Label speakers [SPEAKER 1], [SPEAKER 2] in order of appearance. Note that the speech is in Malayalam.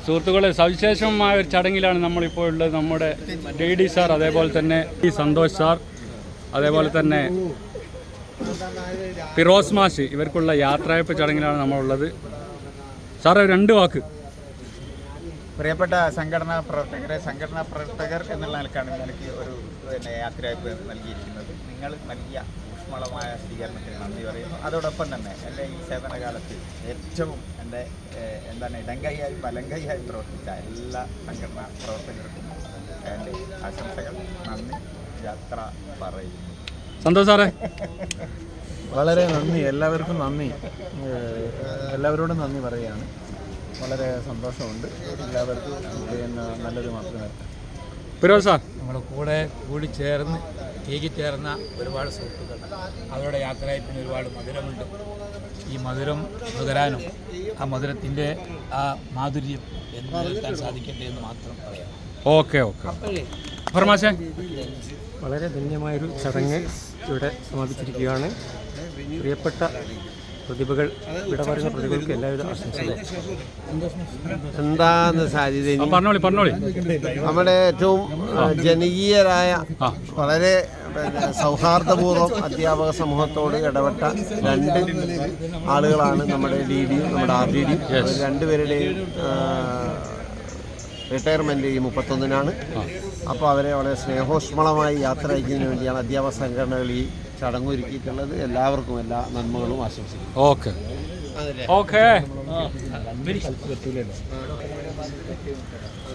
[SPEAKER 1] സുഹൃത്തുക്കളെ, സവിശേഷമായ ഒരു ചടങ്ങിലാണ് നമ്മളിപ്പോൾ ഉള്ളത്. നമ്മുടെ DD സാർ, അതേപോലെ തന്നെ ഈ സന്തോഷ് സാർ, അതേപോലെ തന്നെ ഫിറോസ് മാഷ്, ഇവർക്കുള്ള യാത്രയപ്പ് ചടങ്ങിലാണ് നമ്മളുള്ളത്. സാറേ, 2 വാക്ക്.
[SPEAKER 2] പ്രിയപ്പെട്ട സംഘടനാ പ്രവർത്തകർ എന്നുള്ള നിലക്കാണ് എനിക്ക് ഒരു യാത്രയപ്പ് നൽകിയിരിക്കുന്നത്. നിങ്ങൾ നൽകിയ ഊഷ്മളമായ സ്വീകരണത്തിന് നന്ദി പറയുന്നു. അതോടൊപ്പം തന്നെ എൻ്റെ ഈ സേവനകാലത്ത് ഏറ്റവും എൻ്റെ ഇടങ്കൈയായും വലങ്കൈയായും പ്രവർത്തിച്ച എല്ലാ സംഘടനാ പ്രവർത്തകർക്കും എൻ്റെ ആശംസകൾ, നന്ദി, യാത്ര പറയുന്നു.
[SPEAKER 1] സന്തോഷ് സാറേ?
[SPEAKER 3] വളരെ നന്ദി, എല്ലാവർക്കും നന്ദി, എല്ലാവരോടും നന്ദി പറയുകയാണ്. വളരെ സന്തോഷമുണ്ട്. എല്ലാവർക്കും നല്ലത് മാത്രമേ.
[SPEAKER 1] ഫിറോസ് സാർ?
[SPEAKER 4] നമ്മുടെ കൂടി ചേർന്ന് ഏകിച്ചേർന്ന ഒരുപാട് സുഹൃത്തുക്കൾ, അവരുടെ യാത്രയപ്പിന് ഒരുപാട് മധുരമുണ്ട്. ഈ മധുരം നുകരാനും ആ മധുരത്തിൻ്റെ ആ മാധുര്യം എന്ന് നിലനിർത്താൻ സാധിക്കട്ടെ എന്ന് മാത്രം പറയാം.
[SPEAKER 1] ഓക്കെ. ഫർമാശേ?
[SPEAKER 5] വളരെ ധന്യമായൊരു ചടങ്ങ് ഇവിടെ സമാപിച്ചിരിക്കുകയാണ്. പ്രിയപ്പെട്ട പ്രതിഭകൾ, ഇവിടെ പറയുന്ന പ്രതിഭകൾക്ക് എല്ലാവിധ ആശംസകളും.
[SPEAKER 6] എന്താന്ന് സാധ്യത
[SPEAKER 1] പറഞ്ഞോളി.
[SPEAKER 6] നമ്മുടെ ഏറ്റവും ജനകീയരായ, വളരെ സൗഹാർദ്ദപൂർവ്വം അധ്യാപക സമൂഹത്തോട് ഇടപെട്ട 2 ആളുകളാണ് നമ്മുടെ DDയും നമ്മുടെ RDDയും. രണ്ടുപേരുടെയും റിട്ടയർമെൻറ്റ് ഈ 31-നാണ്. അപ്പോൾ അവരെ വളരെ സ്നേഹോഷ്മളമായി യാത്ര അയക്കുന്നതിന് വേണ്ടിയാണ് അധ്യാപക സംഘടനകൾ ഈ ചടങ്ങൊരുക്കിയിട്ടുള്ളത്. എല്ലാവർക്കും എല്ലാ നന്മകളും ആശംസിക്കുന്നു.
[SPEAKER 1] ഓക്കെ.